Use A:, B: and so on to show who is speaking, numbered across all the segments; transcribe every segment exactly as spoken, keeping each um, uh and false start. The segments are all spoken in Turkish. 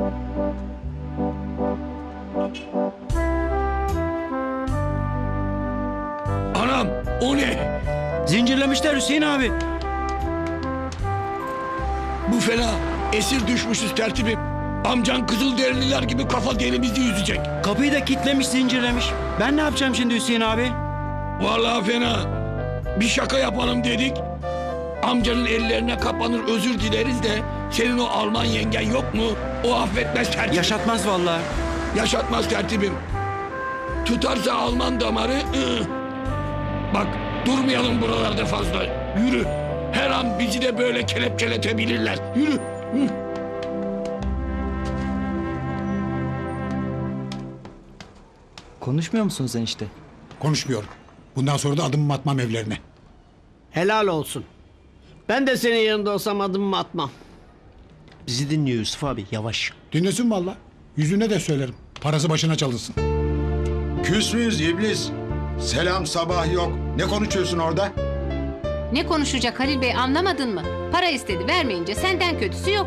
A: Anam o ne?
B: Zincirlemişler Hüseyin abi.
A: Bu fena. Esir düşmüşüz tertibim. Amcan Kızılderililer gibi kafa derimizi yüzecek.
B: Kapıyı da kitlemiş, zincirlemiş. Ben ne yapacağım şimdi Hüseyin abi?
A: Vallahi fena. Bir şaka yapalım dedik. Amcanın ellerine kapanır özür dileriz de senin o Alman yengen yok mu? O affetmez tertibim.
B: Yaşatmaz vallahi.
A: Yaşatmaz tertibim. Tutarsa Alman damarı... ıh. Bak durmayalım buralarda fazla. Yürü. Her an bizi de böyle kelepçeletebilirler. Yürü. Hı.
B: Konuşmuyor musun sen işte?
C: Konuşmuyorum. Bundan sonra da adımımı atmam evlerine.
D: Helal olsun. Ben de senin yanında olsam adımımı atmam.
B: Bizi dinliyor Yusuf abi, yavaş.
C: Dinlesin valla. Yüzüne de söylerim. Parası başına çalınsın.
E: Küs müyüz iblis? Selam sabah yok. Ne konuşuyorsun orada?
F: Ne konuşacak Halil Bey, anlamadın mı? Para istedi, vermeyince senden kötüsü yok.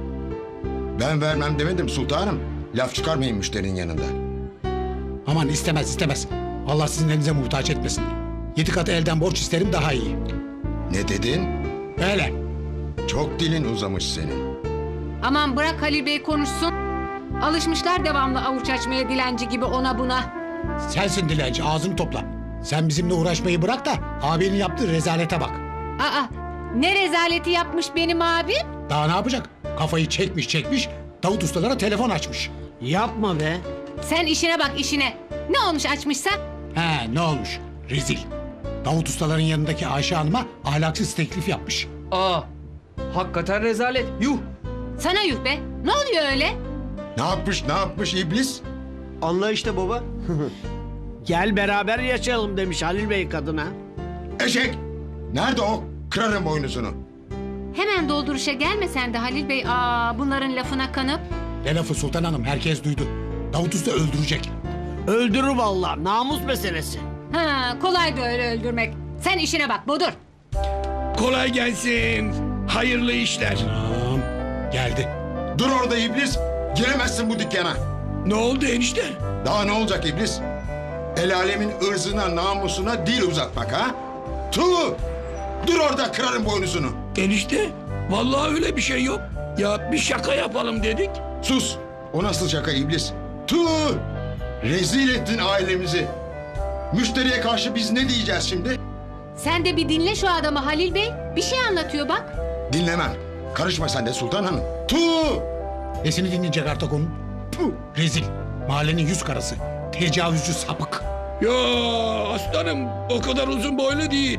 E: Ben vermem demedim sultanım. Laf çıkarmayın müşterinin yanında.
C: Aman istemez istemez. Allah sizin elinize muhtaç etmesin. Yedi katı elden borç isterim daha iyi.
E: Ne dedin?
C: Öyle.
E: Çok dilin uzamış senin.
F: Aman bırak Halil Bey konuşsun. Alışmışlar devamlı avuç açmaya, dilenci gibi ona buna.
C: Sensin dilenci, ağzını topla. Sen bizimle uğraşmayı bırak da abinin yaptığı rezalete bak.
F: Aa, ne rezaleti yapmış benim abim?
C: Daha ne yapacak? Kafayı çekmiş çekmiş, Davut ustalara telefon açmış.
D: Yapma be.
F: Sen işine bak işine. Ne olmuş açmışsa?
C: He ne olmuş? Rezil. Davut ustaların yanındaki Ayşe Hanım'a ahlaksız teklif yapmış.
B: Aa, hakikaten rezalet. Yuh.
F: Sana yuh be. Ne oluyor öyle?
E: Ne yapmış ne yapmış iblis?
B: Anla işte baba.
D: Gel beraber yaşayalım demiş Halil Bey kadına.
E: Eşek! Nerede o? Kırarım boynuzunu.
F: Hemen dolduruşa gelme sen de Halil Bey. Aa, bunların lafına kanıp.
C: Ne lafı Sultan Hanım, herkes duydu. Davut usta öldürecek.
D: Öldürür vallahi, namus meselesi.
F: Ha, kolay da öyle öldürmek. Sen işine bak Bodur.
A: Kolay gelsin. Hayırlı işler.
C: Tamam, geldi.
E: Dur orada iblis. Giremezsin bu dükkana.
A: Ne oldu enişte?
E: Daha ne olacak iblis? El alemin ırzına namusuna dil uzatmak ha? Tuğ! Dur orada kırarım boynuzunu.
A: Enişte vallahi öyle bir şey yok. Ya bir şaka yapalım dedik.
E: Sus! O nasıl şaka iblis? Tuğ! Rezil ettin ailemizi. Müşteriye karşı biz ne diyeceğiz şimdi?
F: Sen de bir dinle şu adamı Halil Bey. Bir şey anlatıyor bak.
E: Dinlemem. Karışma sen de Sultan Hanım. Tuğ!
C: Nesini dinleyecek artık onun? Puh, rezil. Mahallenin yüz karası. Tecavüzcü sapık.
A: Ya aslanım o kadar uzun boylu değil.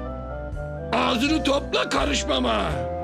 A: Ağzını topla karışmama.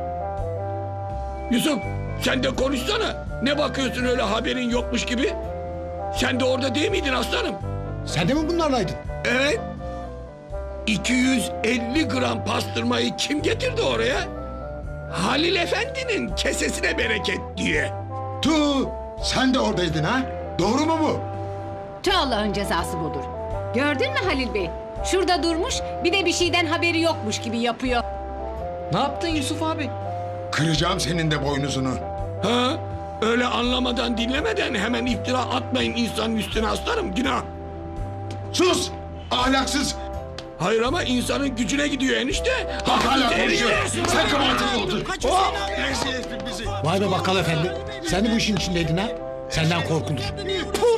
A: Yusuf sen de konuşsana. Ne bakıyorsun öyle haberin yokmuş gibi? Sen de orada değil miydin aslanım?
C: Sen de mi bunlarlaydın?
A: Evet. iki yüz elli gram pastırmayı kim getirdi oraya? Halil Efendi'nin kesesine bereket diye.
E: Tuğ! Sen de oradaydın ha? Doğru mu bu?
F: Tüh, Allah'ın cezası budur. Gördün mü Halil Bey? Şurada durmuş, bir de bir şeyden haberi yokmuş gibi yapıyor.
B: Ne yaptın Yusuf abi?
E: Kıracağım senin de boynuzunu.
A: Ha? Öyle anlamadan dinlemeden hemen iftira atmayın insanın üstüne aslanım, günah.
E: Sus! Ahlaksız!
A: Hayır ama insanın gücüne gidiyor enişte.
E: Bak hala
A: Hakkı
E: konuşuyor.
A: terbiye.
E: Sen kabahatini oldun. Oh! Rezil ettin bizi.
C: Vay be bakkal efendi. Sen de bu işin içindeydin ha? Senden korkulur. Puh!